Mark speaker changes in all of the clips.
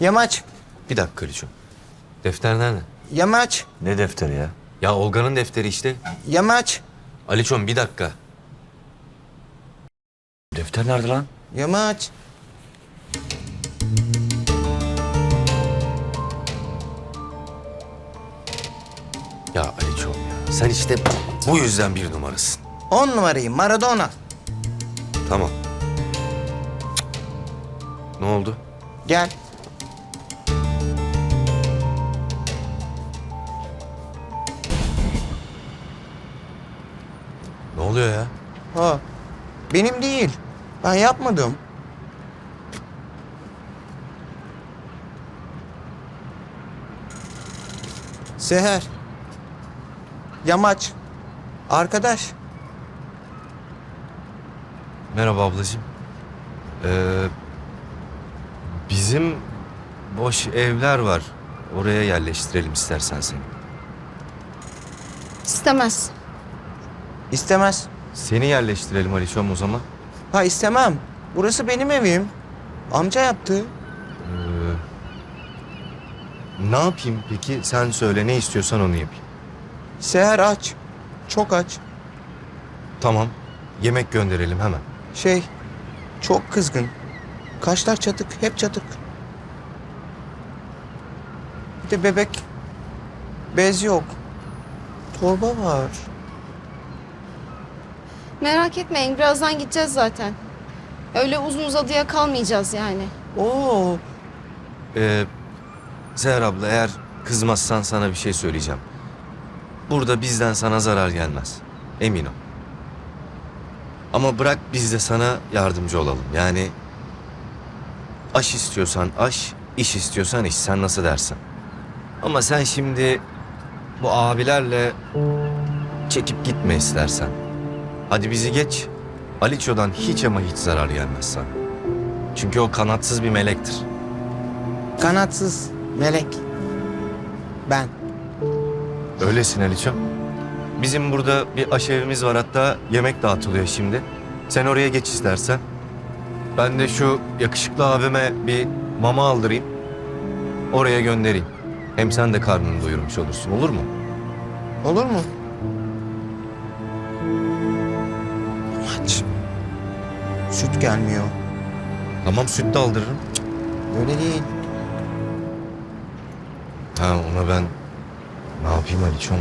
Speaker 1: Yamaç.
Speaker 2: Bir dakika Aliço. Defter nerede?
Speaker 1: Yamaç.
Speaker 3: Ne defteri ya?
Speaker 2: Ya Olga'nın defteri işte.
Speaker 1: Yamaç.
Speaker 2: Aliço'm bir dakika.
Speaker 3: Defter nerede lan?
Speaker 1: Yamaç.
Speaker 2: Ya Aliço'm ya. Sen işte bu yüzden bir numarasın.
Speaker 1: 10 numarayı Maradona.
Speaker 2: Tamam. Ne oldu?
Speaker 1: Gel.
Speaker 2: Ne oluyor ya?
Speaker 1: Ha. Benim değil. Ben yapmadım. Seher. Yamaç. Arkadaş.
Speaker 2: Merhaba ablacığım. Bizim boş evler var. Oraya yerleştirelim istersen seni.
Speaker 4: İstemez.
Speaker 1: İstemez.
Speaker 2: Seni yerleştirelim Aliço'm o zaman.
Speaker 1: Ha istemem. Burası benim evim. Amca yaptı.
Speaker 2: Ne yapayım peki? Sen söyle ne istiyorsan onu yapayım.
Speaker 1: Seher aç. Çok aç.
Speaker 2: Tamam. Yemek gönderelim hemen.
Speaker 1: Çok kızgın. Kaşlar çatık, hep çatık. Bir de bebek. Bez yok. Torba var.
Speaker 4: Merak etmeyin, birazdan gideceğiz zaten. Öyle uzun uzadıya kalmayacağız yani.
Speaker 1: Oo,
Speaker 2: Seher abla eğer kızmazsan sana bir şey söyleyeceğim. Burada bizden sana zarar gelmez. Emin ol. Ama bırak biz de sana yardımcı olalım. Yani aş istiyorsan aş, iş istiyorsan iş. Sen nasıl dersin? Ama sen şimdi bu abilerle çekip gitme istersen. Hadi bizi geç. Aliço'dan hiç ama hiç zarar gelmez sana. Çünkü o kanatsız bir melektir.
Speaker 1: kanatsız melek. Ben.
Speaker 2: Öylesin Aliço. Bizim burada bir aşevimiz var, hatta yemek dağıtılıyor şimdi. Sen oraya geç istersen. Ben de şu yakışıklı abime bir mama aldırayım. Oraya göndereyim. Hem sen de karnını doyurmuş olursun, olur mu?
Speaker 1: Olur mu? Aç. Süt gelmiyor.
Speaker 2: Tamam, süt de aldırırım.
Speaker 1: Öyle değil.
Speaker 2: Ha, ona ben ne yapayım Aliço'm?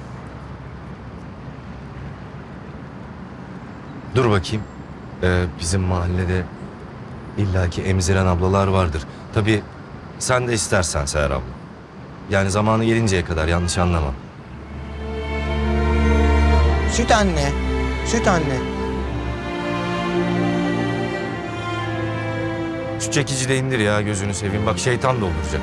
Speaker 2: Dur bakayım. Bizim mahallede illaki emziren ablalar vardır. Tabii sen de istersen Seher abla. Yani zamanı gelinceye kadar, yanlış anlama.
Speaker 1: Süt anne. Süt anne.
Speaker 2: Şu çekici de indir ya, gözünü seveyim. Bak şeytan dolduracak.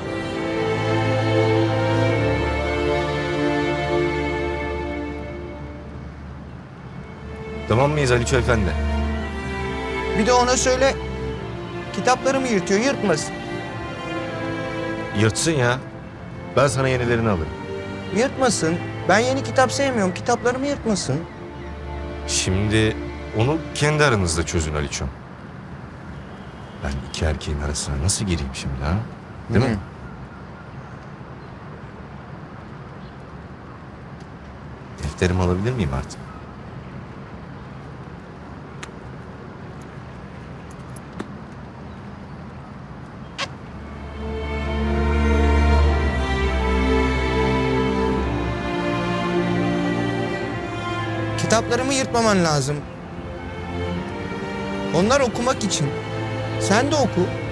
Speaker 2: Tamam mıyız Aliço Efendi?
Speaker 1: Bir de ona söyle. Kitaplarımı yırtıyor, yırtmasın.
Speaker 2: Yırtsın ya. Ben sana yenilerini alırım.
Speaker 1: Yırtmasın. Ben yeni kitap sevmiyorum. Kitaplarımı yırtmasın.
Speaker 2: Şimdi onu kendi aranızda çözün Aliço. Ben iki erkeğin arasına nasıl gireyim şimdi ha? Değil mi? Defterimi alabilir miyim artık?
Speaker 1: Kitaplarımı yırtmaman lazım. Onlar okumak için. Sen de oku.